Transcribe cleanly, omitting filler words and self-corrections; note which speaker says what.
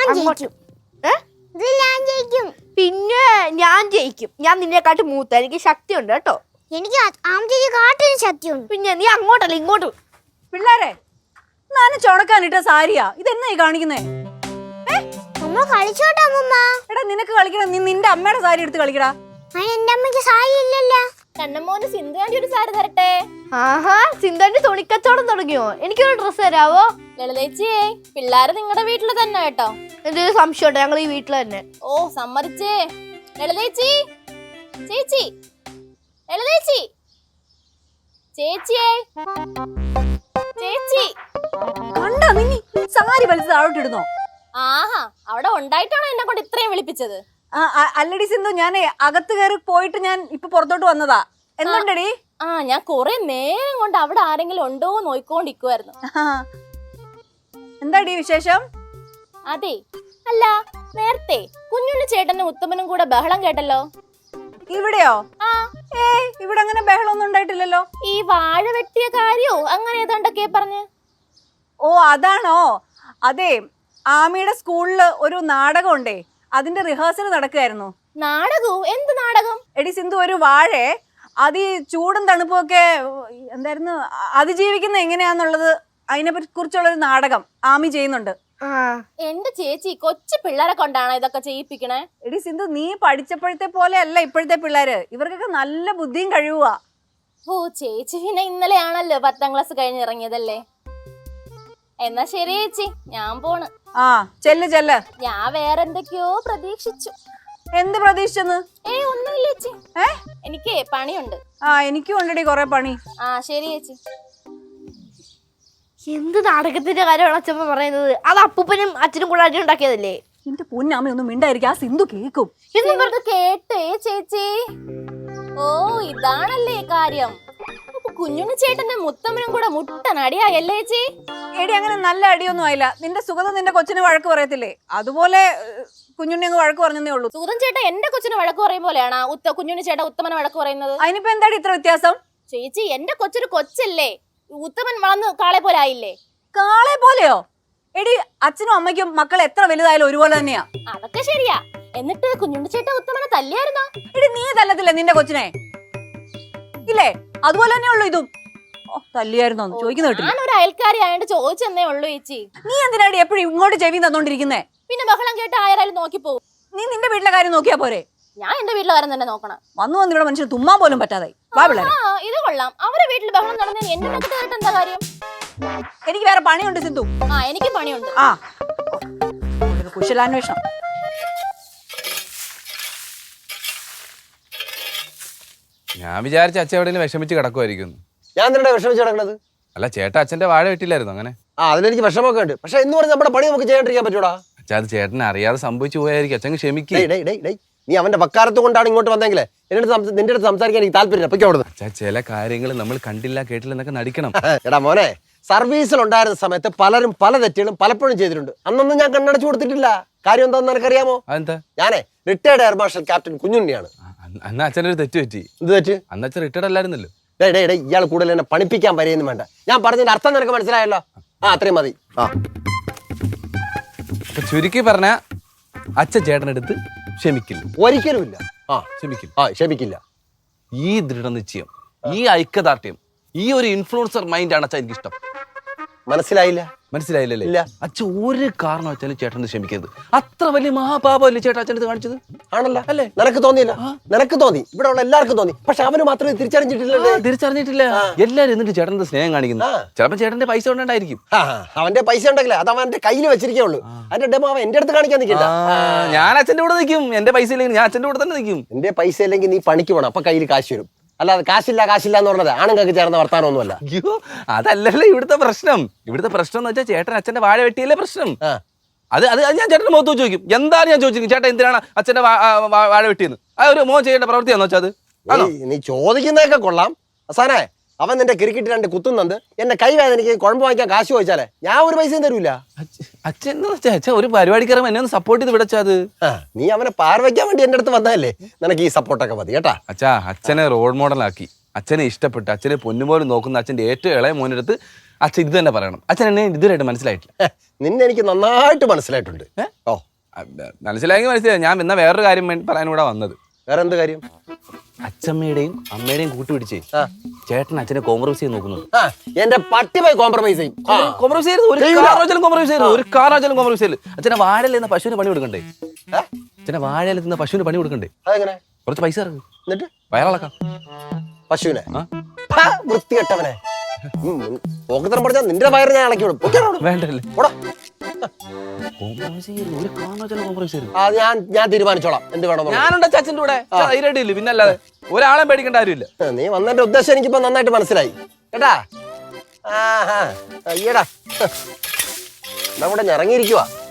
Speaker 1: പിന്നെ ഞാൻ ജയിക്കും. ഞാൻ നിന്നെക്കാട്ടി മൂത്ത, എനിക്ക് ശക്തിയുണ്ട് കേട്ടോ.
Speaker 2: എനിക്ക് കാട്ടിന് ശക്തിയുണ്ട്.
Speaker 1: പിന്നെ നീ അങ്ങോട്ടല്ല ഇങ്ങോട്ട്.
Speaker 3: പിള്ളേരെ നാനും ചുണക്കാനിട്ട സാരിയാ ഇതെന്നാ ഈ കാണിക്കുന്നേ?
Speaker 2: നമ്മൾ കളിച്ചോട്ടെ അമ്മമ്മ.
Speaker 3: എടാ നിനക്ക് കളിക്കണം, നീ നിന്റെ അമ്മയുടെ സാരി എടുത്ത് കളിക്കടാ.
Speaker 2: എന്റെ അമ്മയ്ക്ക് സാരി ഇല്ലല്ലോ.
Speaker 1: കണ്ണമ്മോന് സിന്ധുവാണ്ടി ഒരു സാരി തരട്ടെ. ആഹാ, സിന്ധുവാണ്ടി തുണിക്കച്ചവടം തുടങ്ങിയോ? എനിക്കൊരു ഡ്രസ്സ് തരാവോ?
Speaker 4: ലളിതേച്ചിയേ, പിള്ളേര് നിങ്ങളുടെ വീട്ടില് തന്നെ കേട്ടോ.
Speaker 1: എന്റെ ഒരു സംശയമുണ്ട്, ഞങ്ങൾ ഈ വീട്ടിൽ തന്നെ.
Speaker 4: ഓ സമ്മതിച്ചേ. ലളിതേച്ചി, ചേച്ചി, ലളിതേച്ചി, ചേച്ചിയേ, ചേച്ചി.
Speaker 3: കണ്ടാ നീ സാരി വലിച്ച് താഴോട്ടിടുന്നോ?
Speaker 4: ആഹാ, അവിടെ ഉണ്ടായിട്ടാണോ എന്നെ കൊണ്ട് ഇത്രയും വിളിപ്പിച്ചത്?
Speaker 3: അല്ലടി സിന്ധു, ഞാനേ അകത്ത് കയറി പോയിട്ട് ഞാൻ ഇപ്പൊ പുറത്തോട്ട് വന്നതാ. എന്തുണ്ടടി?
Speaker 4: ഞാൻ കൊറേ നേരം കൊണ്ട് അവിടെ ആരെങ്കിലും ഉണ്ടോ നോയിക്കൊണ്ടിരിക്കുവായിരുന്നു.
Speaker 3: എന്താടി വിശേഷം?
Speaker 4: അതെ, അല്ല നേരത്തെ കുഞ്ഞുണ്ണി ചേട്ടനും ഉത്തമനും കൂടെ ബഹളം കേട്ടല്ലോ.
Speaker 3: ഇവിടെയോ? ഇവിടെ അങ്ങനെ ബഹളമൊന്നും ഉണ്ടായിട്ടില്ലല്ലോ.
Speaker 4: ഈ വാഴ വെട്ടിയ കാര്യോ അങ്ങനെ ഏതാണ്ടൊക്കെ പറഞ്ഞ്.
Speaker 3: ഓ അതാണോ? അതെ, ആമിയുടെ സ്കൂളില് ഒരു നാടകം ഉണ്ടേ, അതിന്റെ റിഹേഴ്സൽ നടക്കുകയായിരുന്നു.
Speaker 4: നാടകവും? എന്ത് നാടകം?
Speaker 3: എടി സിന്ധു, ഒരു വാഴ അത് ഈ ചൂടും തണുപ്പും ഒക്കെ എന്തായിരുന്നു അതിജീവിക്കുന്ന എങ്ങനെയാന്നുള്ളത് അതിനെ കുറിച്ചുള്ളൊരു നാടകം ആമി ചെയ്യുന്നുണ്ട്.
Speaker 4: എന്റെ ചേച്ചി കൊച്ചു പിള്ളേരെ കൊണ്ടാണോ ഇതൊക്കെ ചെയ്യിപ്പിക്കണേ?
Speaker 3: എടി സിന്ധു, നീ പഠിച്ചപ്പോഴത്തെ പോലെ അല്ല ഇപ്പോഴത്തെ പിള്ളേര്. ഇവർക്കൊക്കെ നല്ല ബുദ്ധിയും കഴിവുവാ.
Speaker 4: ഓ ചേച്ചി പിന്നെ ഇന്നലെയാണല്ലോ 10ാം ക്ലാസ് കഴിഞ്ഞ് ഇറങ്ങിയതല്ലേ. എന്നാ ശരി ചേച്ചി, ഞാൻ പോണ്.
Speaker 3: ചെല്ല് ചെല്ല്.
Speaker 4: ഞാൻ വേറെ എന്തൊക്കെയോ പ്രതീക്ഷിച്ചു.
Speaker 3: എന്ത് പ്രതീക്ഷിച്ചെന്ന്?
Speaker 4: ഒന്നുമില്ല ചേച്ചി, എനിക്ക് പണിയുണ്ട്.
Speaker 3: എനിക്കും ഉണ്ടടി കൊറേ പണി.
Speaker 4: ശരി ചേച്ചി.
Speaker 1: എന്ത് നാടകത്തിന്റെ കാര്യമാണ് അച്ഛമ്മ പറയുന്നത്? അത് അപ്പൂപ്പനും അച്ഛനും കൂടെ അടി ഉണ്ടാക്കിയതല്ലേ?
Speaker 3: എന്റെ പൊന്നമ്മ ഒന്നും മിണ്ടായിരിക്കും, ആ സിന്ധു കേക്കും.
Speaker 4: കേട്ടേ ചേച്ചി? ഓ ഇതാണല്ലേ കാര്യം. കുഞ്ഞുണ്ണി ചേട്ടന്റെ മുത്തമ്മനും കൂടെ മുട്ടൻ അടിയായല്ലേ ചേച്ചി?
Speaker 3: എടി അങ്ങനെ നല്ല അടിയൊന്നും ആയില്ല. നിന്റെ സുഗതം നിന്റെ കൊച്ചിന് വഴക്ക് പറയത്തില്ലേ, അതുപോലെ കുഞ്ഞുണ്ണി അങ്ങ് വഴക്ക് പറഞ്ഞതേ ഉള്ളൂ.
Speaker 4: സുഗതൻ ചേട്ടൻ എന്റെ കൊച്ചിന് വഴക്ക് പറയും പോലെയാണ് കുഞ്ഞുണ്ണി ചേട്ടൻ ഉത്തമനെ വഴക്ക് പറയുന്നത്.
Speaker 3: അതിനിപ്പോ എന്താടി ഇത്ര വ്യത്യാസം?
Speaker 4: ചേച്ചി എന്റെ കൊച്ചൊരു കൊച്ചല്ലേ, ഉത്തമൻ വളർന്ന് കാളെ പോലെ ആയില്ലേ?
Speaker 3: കാളെ പോലെയോ? എടി അച്ഛനും അമ്മയ്ക്കും മക്കൾ എത്ര വലുതായാലും ഒരുപോലെ തന്നെയാ.
Speaker 4: അതൊക്കെ ശരിയാ. എന്നിട്ട് കുഞ്ഞുണ്ണി ചേട്ടൻ ഉത്തമനെ തല്ലിയായിരുന്നോ?
Speaker 3: എടി നീ തല്ലത്തില്ലേ നിന്റെ കൊച്ചിനെ? ഇല്ലേ, അതുപോലെ തന്നെ ഉള്ളു ഇതും. തല്ലിയായിരുന്നോ ചോദിക്കുന്ന കേട്ടില്ല.
Speaker 4: ഞാൻ ഒരു അയൽക്കാരി ആയതുകൊണ്ട് ചോദിച്ചെന്നേ ഉള്ളൂ ചേച്ചി.
Speaker 3: നീ എന്തിനാടി എപ്പോഴും ഇങ്ങോട്ട് ചെവി തന്നോണ്ടിരിക്കുന്നേ?
Speaker 4: പിന്നെ ബഹളം കേട്ട് ആരാലും നോക്കി പോകും.
Speaker 3: നീ നിന്റെ വീട്ടിലെ കാര്യം നോക്കിയാ പോരെ?
Speaker 4: ഞാൻ എന്റെ വീട്ടിലെ കാര്യം തന്നെ നോക്കണം.
Speaker 3: വന്നു ഇവിടെ മനുഷ്യൻ തുമ്മാൻ പോലും പറ്റാതായി.
Speaker 4: ഇത് കൊള്ളാം. അവരെ വീട്ടിൽ ബഹളം നടന്നതിന് എന്റെ മെക്കിട്ട് കേട്ട് എന്താ കാര്യം?
Speaker 3: എനിക്ക് വേറെ പണിയുണ്ട് സിന്ധു.
Speaker 4: എനിക്ക് പണിയുണ്ട്.
Speaker 3: കുശലാന്വേഷണം.
Speaker 5: ഞാൻ വിചാരിച്ച അച്ഛൻ എവിടെയെങ്കിലും വിഷമിച്ച് കിടക്കുമായിരിക്കും.
Speaker 6: ഞാൻ നിന്നെ വിഷമിച്ച് കിടക്കണത്?
Speaker 5: അല്ല ചേട്ടാ, അച്ഛന്റെ വാഴ വെട്ടില്ലായിരുന്നു അങ്ങനെ?
Speaker 6: അതിലെനിക്ക് വിഷമൊക്കെ ഉണ്ട്. പക്ഷെ എന്ന് പറഞ്ഞ് നമ്മുടെ പണി നമുക്ക് ചെയ്യാണ്ടിരിക്കാൻ പറ്റൂടാ.
Speaker 5: അച്ഛാ, അത് ചേട്ടനെ അറിയാതെ സംഭവിച്ചു പോയായിരിക്കും. അച്ഛൻ ക്ഷമിക്കേ.
Speaker 6: നീ അവന്റെ വക്കാലത്ത് കൊണ്ടാണ് ഇങ്ങോട്ട് വന്നെങ്കിലേ നിന്റെ അടുത്ത് സംസാരിക്കാൻ എനിക്ക് താല്പര്യം.
Speaker 5: അച്ഛാ, ചില കാര്യങ്ങൾ നമ്മൾ കണ്ടില്ല കേട്ടില്ല എന്നൊക്കെ നടിക്കണം.
Speaker 6: എടാ മോനെ, സർവീസിൽ ഉണ്ടായിരുന്ന സമയത്ത് പലരും പല തെറ്റുകളും പലപ്പോഴും ചെയ്തിട്ടുണ്ട്. അന്നൊന്നും ഞാൻ കണ്ണടച്ചു കൊടുത്തിട്ടില്ല. കാര്യം എന്താണെന്ന് നിനക്കറിയാമോ?
Speaker 5: അതെന്താ?
Speaker 6: ഞാനേ റിട്ടയർഡ് എയർ മാർഷൽ ക്യാപ്റ്റൻ കുഞ്ഞുണ്ണിയാണ്.
Speaker 5: അന്ന് അച്ഛനൊരു തെറ്റ് പറ്റി.
Speaker 6: എന്ത് തെറ്റ്?
Speaker 5: അന്ന് അച്ഛൻ റിട്ടയർഡ് അല്ലായിരുന്നല്ലോ.
Speaker 6: ഇയാൾ കൂടുതൽ എന്നെ പണിപ്പിക്കാൻ വരെയൊന്നും വേണ്ട. ഞാൻ പറഞ്ഞതിന്റെ അർത്ഥം നിനക്ക് മനസ്സിലായല്ലോ. അത്രയും മതി.
Speaker 5: ചുരുക്കി പറഞ്ഞ അച്ഛൻ ചേട്ടനെടുത്ത് ക്ഷമിക്കില്ല.
Speaker 6: ഒരിക്കലും ഇല്ല. ക്ഷമിക്കില്ല.
Speaker 5: ഈ ദൃഢനിശ്ചയം, ഈ ഐക്യദാർഢ്യം, ഈ ഒരു ഇൻഫ്ലുവൻസർ മൈൻഡാണ് അച്ഛൻ എനിക്കിഷ്ടം. മനസ്സിലായില്ലേ? അച്ഛൻ ഒരു കാരണം വെച്ചാലും ചേട്ടന് ക്ഷമിക്കരുത്. അത്ര വലിയ മഹാപാപമല്ലേ ചേട്ടാ അച്ഛനത് കാണിച്ചത്?
Speaker 6: ആണല്ലോ അല്ലേ? നിനക്ക് തോന്നിയില്ല? നിനക്ക് തോന്നി, ഇവിടെ ഉള്ള എല്ലാവർക്കും തോന്നി. പക്ഷെ അവന് മാത്രമേ
Speaker 5: തിരിച്ചറിഞ്ഞിട്ടില്ല. എല്ലാരും എന്നിട്ട് ചേട്ടന്റെ സ്നേഹം കാണിക്കുന്നു. ചിലപ്പോ ചേട്ടന്റെ പൈസ കൊണ്ടായിരിക്കും.
Speaker 6: അവന്റെ പൈസ ഉണ്ടെങ്കിലേ അത് അവന്റെ കയ്യിൽ വെച്ചിരിക്കുള്ളൂ. അതിന്റെ ഡെമോ അവൻ എന്റെ അടുത്ത് കാണിക്കാൻ നിൽക്കില്ല.
Speaker 5: ഞാൻ അച്ഛന്റെ കൂടെ നിൽക്കും. എന്റെ പൈസ ഇല്ലെങ്കിൽ ഞാൻ അച്ഛന്റെ കൂടെ തന്നെ നിൽക്കും.
Speaker 6: എന്റെ പൈസ ഇല്ലെങ്കിൽ നീ പണിക്ക് പോകണം, അപ്പൊ കയ്യിൽ കാശ് വരും. അല്ലാതെ കാശില്ല എന്ന് പറഞ്ഞത് ആണുങ്ങൾക്ക് ചേർന്ന വർത്താനമൊന്നുമല്ല.
Speaker 5: അയ്യോ, അതല്ലല്ലോ ഇവിടുത്തെ പ്രശ്നം. ഇവിടുത്തെ പ്രശ്നം എന്ന് വെച്ചാൽ ചേട്ടൻ അച്ഛന്റെ വാഴ വെട്ടിയല്ലേ പ്രശ്നം. അത് ഞാൻ ചേട്ടന്റെ മുഖത്ത് ചോദിക്കും. എന്താണ് ഞാൻ ചോദിച്ചിരിക്കും, ചേട്ടൻ എന്തിനാണ് അച്ഛന്റെ വാഴ വെട്ടിയെന്ന്? ആ ഒരു മോൻ ചെയ്യേണ്ട പ്രവൃത്തിയാന്ന് വെച്ചാൽ അത്
Speaker 6: നീ ചോദിക്കുന്നതൊക്കെ കൊള്ളാം. അവസാനേ അവൻ നിന്റെ ക്രിക്കറ്റ് 2 കുത്തുന്നുണ്ട്. എന്റെ കൈ വേദനയ്ക്ക് കുഴമ്പ് വാങ്ങിക്കാൻ കാശ് ചോദിച്ചാലേ ഞാൻ ഒരു പൈസയും തരൂല.
Speaker 5: അച്ഛൻ ഒരു പരിപാടിക്കാരൻ എന്നെ ഒന്ന് സപ്പോർട്ട് ചെയ്ത് വിടച്ചത്.
Speaker 6: നീ അവനെ പാർവയ്ക്കാൻ വേണ്ടി എന്റെ അടുത്ത് വന്നതല്ലേ, നിനക്ക് ഈ സപ്പോർട്ടൊക്കെ മതി കേട്ടാ.
Speaker 5: അച്ഛാ, അച്ഛനെ റോൾ മോഡലാക്കി അച്ഛനെ ഇഷ്ടപ്പെട്ട് അച്ഛനെ പൊന്നുപോലും നോക്കുന്ന അച്ഛൻ്റെ ഏറ്റവും ഇളയ മോനെടുത്ത് അച്ഛൻ ഇത് തന്നെ പറയണം. അച്ഛൻ എന്നെ ഇതുവരെയായിട്ട് മനസ്സിലായിട്ടില്ല.
Speaker 6: നിന്നെ എനിക്ക് നന്നായിട്ട് മനസ്സിലായിട്ടുണ്ട്. ഓ
Speaker 5: മനസ്സിലായെങ്കിൽ മനസ്സിലായി. ഞാൻ എന്നാ വേറൊരു കാര്യം പറയാനും കൂടെ വന്നത്.
Speaker 6: വേറെ എന്ത് കാര്യം?
Speaker 5: അച്ഛമ്മയുടെയും അമ്മയുടെയും കൂട്ടുപിടിച്ചേ ചേട്ടൻ അച്ഛനെ കോംപ്രമൈസ് ചെയ്ത് നോക്കുന്നു.
Speaker 6: എന്റെ പട്ടി പോയി കോംപ്രമൈസ് ചെയ്യും.
Speaker 5: കോംപ്രമൈസ് ചെയ്ത് ഒരു കാരണവശാലും കോംപ്രമൈസ് ചെയ്തു. ഒരു കാരണവശാലും കോംപ്രമൈസ് ചെയ്തു. അച്ഛനെ വാഴയിൽ നിന്ന് പശുവിന് പണി കൊടുക്കണ്ടേ? അച്ഛനെ വാഴയിൽ നിന്ന് പശുവിന് പണി കൊടുക്കണ്ടേ?
Speaker 6: അതെങ്ങനെ?
Speaker 5: കുറച്ച് പൈസ ഇറങ്ങും
Speaker 6: എന്നിട്ട്
Speaker 5: വയറിളക്കാം
Speaker 6: പശുവിനെ. വൃത്തികെട്ടവനെ, പോക്കത്തരം പഠിച്ചാൽ നിന്റെ വയറ് ഞാൻ ഇളക്കി വിടും.
Speaker 5: വേണ്ടല്ലേ?
Speaker 6: ഞാൻ തീരുമാനിച്ചോളാം എന്ത് വേണം.
Speaker 5: ഞാനുണ്ട് അച്ഛൻ്റെ കൂടെ ധൈര്യമായിട്ടില്ല. പിന്നെ അല്ലാതെ ഒരാളെ പേടിക്കേണ്ട കാര്യമില്ല.
Speaker 6: നീ വന്നതിന്റെ ഉദ്ദേശം എനിക്കിപ്പോ നന്നായിട്ട് മനസ്സിലായി കേട്ടാ. അയ്യടാ നമ്മുടെ ഇറങ്ങിയിരിക്കുവാ.